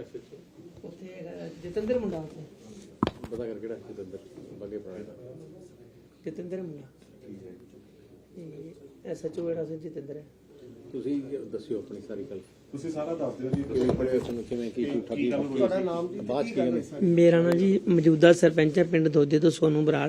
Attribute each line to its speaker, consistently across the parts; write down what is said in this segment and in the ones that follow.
Speaker 1: ਉੱਥੇ ਹੈਗਾ ਜਤਿੰਦਰ ਮੁੰਡਾ, ਉੱਥੇ
Speaker 2: ਪਤਾ ਕਰ ਕਿਹੜਾ ਜਤਿੰਦਰ ਬਾਗੇ ਪੁਰਾਣੇ ਦਾ
Speaker 1: ਜਤਿੰਦਰ ਮੁੰਡਾ SHO ਜਿਹੜਾ ਸੀ ਜਤਿੰਦਰ ਹੈ।
Speaker 2: ਤੁਸੀਂ ਦੱਸਿਓ ਆਪਣੀ ਸਾਰੀ ਗੱਲ।
Speaker 3: ਤੁਸੀਂ ਸਾਰਾ ਦੱਸ ਦਿਓ ਜੀ।
Speaker 2: ਕਿਵੇਂ ਪੜਿਆ ਤੁਹਾਨੂੰ, ਕਿਵੇਂ ਕੀ ਝੂਠਾ ਕੀ
Speaker 3: ਤੁਹਾਡਾ ਨਾਮ ਜੀ?
Speaker 2: ਬਾਅਦ ਚ ਕੀ
Speaker 1: ਮੇਰਾ ਨਾਂ ਜੀ ਮੌਜੂਦਾ ਸਰਪੰਚ ਹੈ ਪਿੰਡ ਦੋਦੇ ਤੋਂ ਸੋਨੂ ਬਰਾੜ,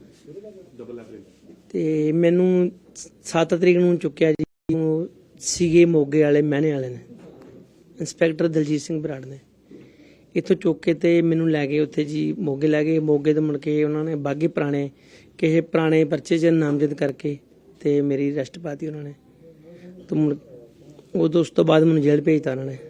Speaker 1: ਤੇ ਮੈਨੂੰ 7 ਤਰੀਕ ਨੂੰ ਚੁੱਕਿਆ ਜੀ ਸੀਗੇ ਮੋਗੇ ਵਾਲੇ ਮਹਿਣੇ ਵਾਲੇ ਨੇ, ਇੰਸਪੈਕਟਰ ਦਲਜੀਤ ਸਿੰਘ ਬਰਾੜ ਨੇ। ਇੱਥੋਂ ਚੁੱਕ ਕੇ ਤੇ ਮੈਨੂੰ ਲੈ ਗਏ ਉੱਥੇ ਜੀ ਮੋਗੇ ਲੈ ਗਏ। ਮੋਗੇ ਤੋਂ ਮੁੜ ਕੇ ਉਹਨਾਂ ਨੇ ਬਾਗੀ ਪੁਰਾਣੇ ਕਿਸੇ ਪੁਰਾਣੇ ਪਰਚੇ 'ਚ ਨਾਮਜ਼ਦ ਕਰਕੇ ਤੇ ਮੇਰੀ ਅਰੈਸਟ ਪਾਤੀ ਉਹਨਾਂ ਨੇ। ਤੇ ਮੁੜ ਉਦੋਂ ਉਸ ਤੋਂ ਬਾਅਦ ਮੈਨੂੰ ਜੇਲ੍ਹ ਭੇਜਤਾ ਉਹਨਾਂ ਨੇ।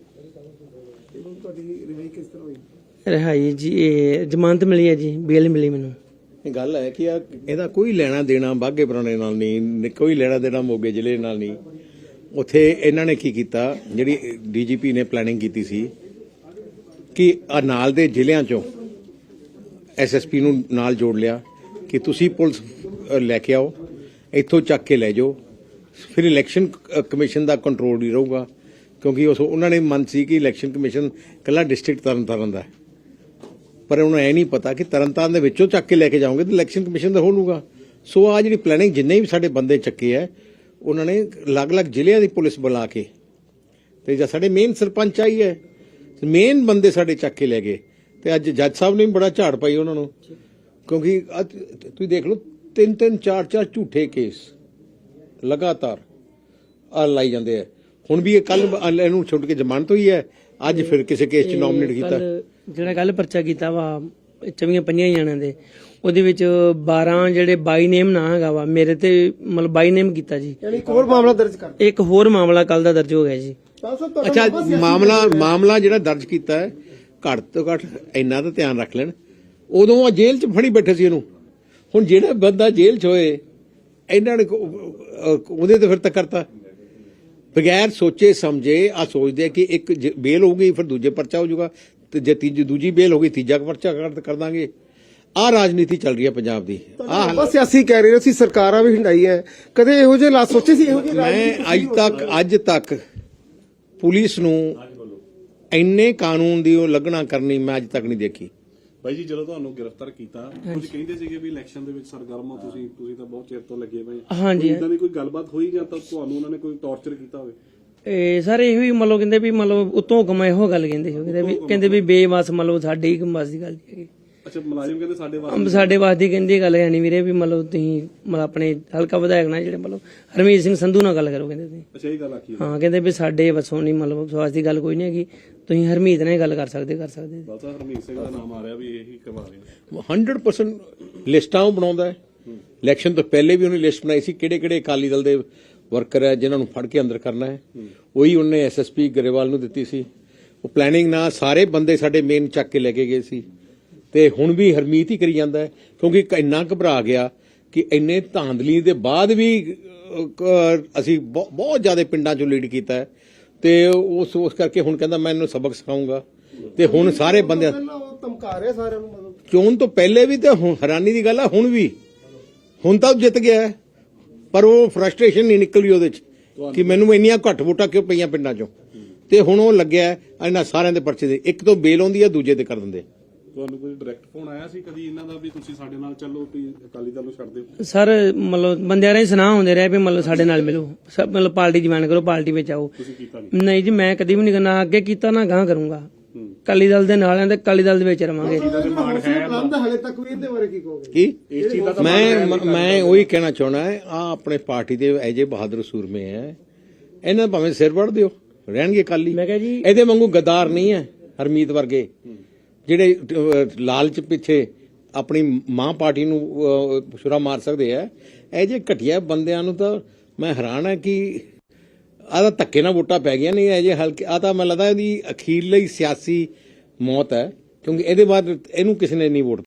Speaker 1: ਰਿਹਾਈ ਜੀ ਇਹ ਜ਼ਮਾਨਤ ਮਿਲੀ ਹੈ ਜੀ, ਬੇਲ ਮਿਲੀ ਮੈਨੂੰ।
Speaker 2: ਇਹ ਗੱਲ ਹੈ ਕਿ ਇਹਦਾ ਕੋਈ ਲੈਣਾ ਦੇਣਾ ਬਾਗੇ ਪੁਰਾਣੇ ਨਾਲ ਨਹੀਂ, ਕੋਈ ਲੈਣਾ ਦੇਣਾ ਮੋਗੇ ਜ਼ਿਲ੍ਹੇ ਨਾਲ ਨਹੀਂ। ਉੱਥੇ ਇਹਨਾਂ ਨੇ ਕੀ ਕੀਤਾ, ਜਿਹੜੀ DGP ਨੇ ਪਲੈਨਿੰਗ ਕੀਤੀ ਸੀ ਕਿ ਆ ਨਾਲ ਦੇ ਜ਼ਿਲ੍ਹਿਆਂ ਚੋਂ SSP ਨੂੰ ਨਾਲ ਜੋੜ ਲਿਆ ਕਿ ਤੁਸੀਂ ਪੁਲਿਸ ਲੈ ਕੇ ਆਓ, ਇੱਥੋਂ ਚੱਕ ਕੇ ਲੈ ਜਾਓ, ਫਿਰ ਇਲੈਕਸ਼ਨ ਕਮਿਸ਼ਨ ਦਾ ਕੰਟਰੋਲ ਨਹੀਂ ਰਹੂਗਾ। ਕਿਉਂਕਿ ਉਹਨਾਂ ਨੇ ਮਨ ਸੀ ਕਿ ਇਲੈਕਸ਼ਨ ਕਮਿਸ਼ਨ ਇਕੱਲਾ ਡਿਸਟ੍ਰਿਕਟ ਤਰਨਤਾਰਨ ਦਾ ਹੈ, ਪਰ ਉਹਨੂੰ ਇਹ ਨਹੀਂ ਪਤਾ ਕਿ ਤਰਨਤਾਰਨ ਦੇ ਵਿੱਚੋਂ ਚੱਕ ਕੇ ਲੈ ਕੇ ਜਾਓਗੇ ਤਾਂ ਇਲੈਕਸ਼ਨ ਕਮਿਸ਼ਨ ਦਾ ਹੋ ਲੂਗਾ। ਸੋ ਆ ਜਿਹੜੀ ਪਲੈਨਿੰਗ ਜਿੰਨੇ ਵੀ ਸਾਡੇ ਬੰਦੇ ਚੱਕੇ ਹੈ, ਉਹਨਾਂ ਨੇ ਅਲੱਗ-ਅਲੱਗ ਜ਼ਿਲ੍ਹਿਆਂ ਦੀ ਪੁਲਿਸ ਬੁਲਾ ਕੇ, ਤੇ ਜਾਂ ਸਾਡੇ ਮੇਨ ਸਰਪੰਚ ਆਈ ਹੈ, ਮੇਨ ਬੰਦੇ ਸਾਡੇ ਚੱਕ ਕੇ ਲੈ ਗਏ। ਤੇ ਅੱਜ ਜੱਜ ਸਾਹਿਬ ਨੇ ਵੀ ਬੜਾ ਝਾੜ ਪਾਈ ਉਹਨਾਂ ਨੂੰ, ਕਿਉਂਕਿ ਤੁਸੀਂ ਦੇਖ ਲਓ 3-3 4-4 ਝੂਠੇ ਕੇਸ ਲਗਾਤਾਰ ਲਾਈ ਜਾਂਦੇ ਆ। ਹੁਣ ਵੀ ਇਹ ਕੱਲ ਇਹਨੂੰ ਛੁੱਟ ਕੇ ਜ਼ਮਾਨਤ ਹੋਈ ਹੈ, ਅੱਜ ਫਿਰ ਕਿਸੇ ਕੇਸ 'ਚ ਨੋਮੀਨੇਟ ਕੀਤਾ।
Speaker 1: ਜਿਹੜਾ ਕੱਲ ਪਰਚਾ ਕੀਤਾ ਵਾ 24 ਜਣਿਆਂ ਦੇ, ਉਹਦੇ ਵਿੱਚ 12 ਜਿਹੜੇ ਬਾਈ ਨੇਮ ਨਾ ਹੈਗਾ ਵਾ, ਮੇਰੇ ਤੇ ਮਤਲਬ ਬਾਈ ਨੇਮ ਕੀਤਾ ਜੀ।
Speaker 3: ਇੱਕ ਹੋਰ ਮਾਮਲਾ ਦਰਜ ਕਰ,
Speaker 1: ਇੱਕ ਹੋਰ ਮਾਮਲਾ ਕੱਲ ਦਾ ਦਰਜ ਹੋ ਗਿਆ ਜੀ।
Speaker 2: ਅੱਛਾ, ਮਾਮਲਾ ਜਿਹੜਾ ਦਰਜ ਕੀਤਾ ਹੈ, ਘੱਟ ਤੋਂ ਘੱਟ ਇੰਨਾ ਤਾਂ ਧਿਆਨ ਰੱਖ ਲੈਣ, ਉਦੋਂ ਆ ਜੇਲ੍ਹ 'ਚ ਫੜੀ ਬੈਠੇ ਸੀ ਇਹਨੂੰ। ਹੁਣ ਜਿਹੜਾ ਬੰਦਾ ਜੇਲ੍ਹ 'ਚ ਹੋਏ, ਇਹਨਾਂ ਨੇ ਉਹਦੇ ਤੇ ਫਿਰ ਤਾਂ ਕਰਤਾ ਬਗੈਰ ਸੋਚੇ ਸਮਝੇ। ਆ ਸੋਚਦੇ ਕਿ ਇੱਕ ਬੇਲ ਹੋ ਗਈ ਫਿਰ ਦੂਜੇ ਪਰਚਾ ਹੋ ਜਾਊਗਾ, ਤੇ ਜੇ ਦੂਜੀ ਬੇਲ ਹੋ ਗਈ ਤੀਜਾ ਪਰਚਾ ਕਰ ਦਾਂਗੇ। ਆਹ ਰਾਜਨੀਤੀ ਚੱਲ ਰਹੀ ਹੈ ਪੰਜਾਬ ਦੀ।
Speaker 3: ਬਸ ਸਿਆਸੀ ਕਹਿ ਰਹੇ ਸੀ, ਸਰਕਾਰਾਂ ਵੀ ਹਿੰਡਾਈ ਹੈ, ਕਦੇ ਇਹੋ ਜਿਹੇ ਹਾਲਾਤ ਸੋਚੇ ਸੀ? ਇਹੋ ਜਿਹੇ
Speaker 2: ਮੈਂ ਅੱਜ ਤੱਕ ਪੁਲਿਸ ਨੂੰ ਇੰਨੇ ਕਾਨੂੰਨ ਦੀ ਉਹ ਲੱਗਣਾ ਕਰਨੀ ਮੈਂ ਅੱਜ ਤੱਕ ਨਹੀਂ ਦੇਖੀ।
Speaker 4: ਭਾਈ ਜੀ, ਜਦੋਂ ਤੁਹਾਨੂੰ ਗ੍ਰਿਫਤਾਰ ਕੀਤਾ, ਕੁਝ ਕਹਿੰਦੇ ਸੀਗੇ ਵੀ ਇਲੈਕਸ਼ਨ ਦੇ ਵਿੱਚ ਸਰਗਰਮ ਹੋ ਤੁਸੀਂ ਤਾਂ ਬਹੁਤ ਚਿਰ ਤੋਂ ਲੱਗੇ ਪਏ।
Speaker 1: ਹਾਂਜੀ,
Speaker 4: ਇਦਾਂ ਦੀ ਕੋਈ ਗੱਲਬਾਤ ਹੋਈ ਜਾਂ ਤਾਂ ਤੁਹਾਨੂੰ ਉਹਨਾਂ ਨੇ ਕੋਈ ਟੌਰਚਰ ਕੀਤਾ ਹੋਵੇ?
Speaker 1: ਇਹ ਸਾਰੇ ਇਹੋ ਹੀ ਮਤਲਬ ਕਹਿੰਦੇ ਵੀ ਮਤਲਬ ਉਤੋਂ ਹੁਕਮ ਇਹੋ ਗੱਲ ਕਹਿੰਦੇ ਸੀ, ਕਹਿੰਦੇ ਵੀ ਬੇਵਸ ਮਤਲਬ ਸਾਡੇ ਹੀ ਬਸ ਦੀ ਗੱਲ ਨਹੀਂ ਹੈਗੀ।
Speaker 4: ਅੱਛਾ, ਮੁਲਾਜ਼ਮ ਕਹਿੰਦੇ ਸਾਡੇ
Speaker 1: ਸਾਡੇ ਵਾਸਤੇ ਦੀ ਕਹਿੰਦੀ ਗੱਲ ਹੈ ਨਹੀਂ ਵੀਰੇ, ਵੀ ਮਤਲਬ ਤੁਸੀਂ ਮਤਲਬ ਆਪਣੇ ਹਲਕਾ ਵਿਧਾਇਕ ਨਾਲ ਜਿਹੜੇ ਮਤਲਬ ਹਰਮੀਤ ਸਿੰਘ ਸੰਧੂ ਨਾਲ ਗੱਲ ਕਰੋ, ਕਹਿੰਦੇ ਤੁਸੀਂ।
Speaker 4: ਅੱਛਾ, ਇਹ ਗੱਲ ਆਖੀ?
Speaker 1: ਹਾਂ, ਕਹਿੰਦੇ ਵੀ ਸਾਡੇ ਵਸੋਂ ਨਹੀਂ ਮਤਲਬ ਵਿਸ਼ਵਾਸ ਦੀ ਗੱਲ ਕੋਈ ਨਹੀਂ ਹੈਗੀ, ਤੁਸੀਂ ਹਰਮੀਤ ਨਾਲ ਗੱਲ ਕਰ ਸਕਦੇ।
Speaker 4: ਬਸ ਹਰਮੀਤ ਸਿੰਘ ਦਾ ਨਾਮ ਆ ਰਿਹਾ ਵੀ ਇਹੀ ਕਰਵਾ ਰਹੇ
Speaker 2: 100% ਲਿਸਟਾਂ ਉਹ ਬਣਾਉਂਦਾ ਹੈ। ਇਲੈਕਸ਼ਨ ਤੋਂ ਪਹਿਲੇ ਵੀ ਉਹਨੇ ਲਿਸਟ ਬਣਾਈ ਸੀ ਕਿਹੜੇ ਅਕਾਲੀ ਦਲ ਦੇ ਵਰਕਰ ਹੈ ਜਿਨ੍ਹਾਂ ਨੂੰ ਫੜ ਕੇ ਅੰਦਰ ਕਰਨਾ ਹੈ। ਉਹੀ ਉਹਨੇ SSP ਗਰੇਵਾਲ ਨੂੰ ਦਿੱਤੀ ਸੀ। ਉਹ ਪਲੈਨਿੰਗ ਨਾਲ ਸਾਰੇ ਬੰਦੇ ਸਾਡੇ ਮੇਨ ਚੱਕ ਕੇ ਲੈ ਕੇ ਗਏ ਸੀ, ਤੇ ਹੁਣ ਵੀ ਹਰਮੀਤ ਹੀ ਕਰੀ ਜਾਂਦਾ ਹੈ, ਕਿਉਂਕਿ ਇੰਨਾ ਘਬਰਾ ਗਿਆ ਕਿ ਇੰਨੇ ਧਾਂਦਲੀ ਦੇ ਬਾਅਦ ਵੀ ਅਸੀਂ ਬਹੁਤ ਜ਼ਿਆਦਾ ਪਿੰਡਾਂ 'ਚੋਂ ਲੀਡ ਕੀਤਾ ਹੈ, ਤੇ ਉਸ ਕਰਕੇ ਹੁਣ ਕਹਿੰਦਾ ਮੈਂ ਇਹਨੂੰ ਸਬਕ ਸਿਖਾਉਂਗਾ। ਤੇ ਹੁਣ ਸਾਰੇ ਬੰਦੇ
Speaker 3: ਧਮਕਾ ਰਹੇ ਸਾਰਿਆਂ ਨੂੰ, ਮਤਲਬ
Speaker 2: ਚੋਣ ਤੋਂ ਪਹਿਲੇ ਵੀ ਤੇ ਹੁਣ ਹੈਰਾਨੀ ਦੀ ਗੱਲ ਹੈ, ਹੁਣ ਤਾਂ ਜਿੱਤ ਗਿਆ, ਪਰ ਉਹ ਫਰਸਟ੍ਰੇਸ਼ਨ ਨਹੀਂ ਨਿਕਲੀ ਉਹਦੇ 'ਚ ਕਿ ਮੈਨੂੰ ਇੰਨੀਆਂ ਘੱਟ ਵੋਟਾਂ ਕਿਉਂ ਪਈਆਂ ਪਿੰਡਾਂ 'ਚੋਂ। ਤੇ ਹੁਣ ਉਹ ਲੱਗਿਆ ਇਹਨਾਂ ਸਾਰਿਆਂ ਦੇ ਪਰਚੇ ਦੇ, ਇੱਕ ਤੋਂ ਬੇਲ ਆਉਂਦੀ ਹੈ, ਦੂਜੇ ਤੇ ਕਰ ਦਿੰਦੇ।
Speaker 4: ਤੁਹਾਨੂੰ ਕੋਈ ਡਾਇਰੈਕਟ ਫੋਨ ਆਇਆ ਸੀ ਕਦੀ ਇਹਨਾਂ ਦਾ ਵੀ ਤੁਸੀਂ ਸਾਡੇ ਨਾਲ ਚੱਲੋ, ਵੀ ਅਕਾਲੀ ਦਲ ਨੂੰ ਛੱਡ ਦਿਓ?
Speaker 1: ਸਰ ਮਤਲਬ ਬੰਦਿਆਂ ਦੇ ਸੁਨਾਹ ਹੁੰਦੇ ਰਹੇ ਵੀ ਮਤਲਬ ਸਾਡੇ ਨਾਲ ਮਿਲੋ, ਮਤਲਬ ਪਾਰਟੀ ਜੁਆਇਨ ਕਰੋ, ਪਾਰਟੀ ਵਿੱਚ ਆਓ।
Speaker 4: ਤੁਸੀਂ ਕੀਤਾ
Speaker 1: ਨਹੀਂ ਜੀ, ਮੈਂ ਕਦੀ ਵੀ ਨਹੀਂ ਕਰਨਾ, ਅੱਗੇ ਕੀਤਾ ਨਾ ਗਾਂ ਕਰੂੰਗਾ। ਅਕਾਲੀ ਦਲ ਦੇ ਨਾਲ ਆਂ ਤੇ ਅਕਾਲੀ ਦਲ ਦੇ ਵਿੱਚ ਰਵਾਂਗੇ।
Speaker 3: ਹਾਲੇ ਤੱਕ ਵੀ ਇਹਦੇ ਬਾਰੇ ਕੀ ਕਹੋਗੇ?
Speaker 2: ਕੀ ਮੈਂ ਉਹੀ ਕਹਿਣਾ ਚਾਹਣਾ ਹੈ, ਆ ਆਪਣੇ ਪਾਰਟੀ ਦੇ ਐਜੇ ਬਹਾਦਰ ਸੂਰਮੇ ਹੈ, ਇਹਨਾਂ ਭਾਵੇਂ ਸਿਰ ਵੜ ਦਿਓ, ਰਹਿਣਗੇ ਅਕਾਲੀ।
Speaker 1: ਮੈਂ ਕਿਹਾ ਜੀ
Speaker 2: ਇਹਦੇ ਵਾਂਗੂ ਗੱਦਾਰ ਨਹੀਂ ਹੈ ਹਰਮੀਤ ਵਰਗੇ, ਜਿਹੜੇ ਲਾਲਚ ਪਿੱਛੇ ਆਪਣੀ ਮਾਂ ਪਾਰਟੀ ਨੂੰ ਛੁਰਾ ਮਾਰ ਸਕਦੇ ਆ। ਇਹ ਜੇ ਘਟੀਆ ਬੰਦਿਆਂ ਨੂੰ ਤਾਂ ਮੈਂ ਹੈਰਾਨ ਹੈ ਕਿ ਆਹ ਤਾਂ ਧੱਕੇ ਨਾਲ ਵੋਟਾਂ ਪੈ ਗਈਆਂ, ਨਹੀਂ ਇਹ ਜੇ ਹਲਕੇ ਆ ਤਾਂ ਮੈਨੂੰ ਲੱਗਦਾ ਇਹਦੀ ਅਖੀਰਲੀ ਸਿਆਸੀ ਮੌਤ ਹੈ, ਕਿਉਂਕਿ ਇਹਦੇ ਬਾਅਦ ਇਹਨੂੰ ਕਿਸੇ ਨੇ ਨਹੀਂ ਵੋਟ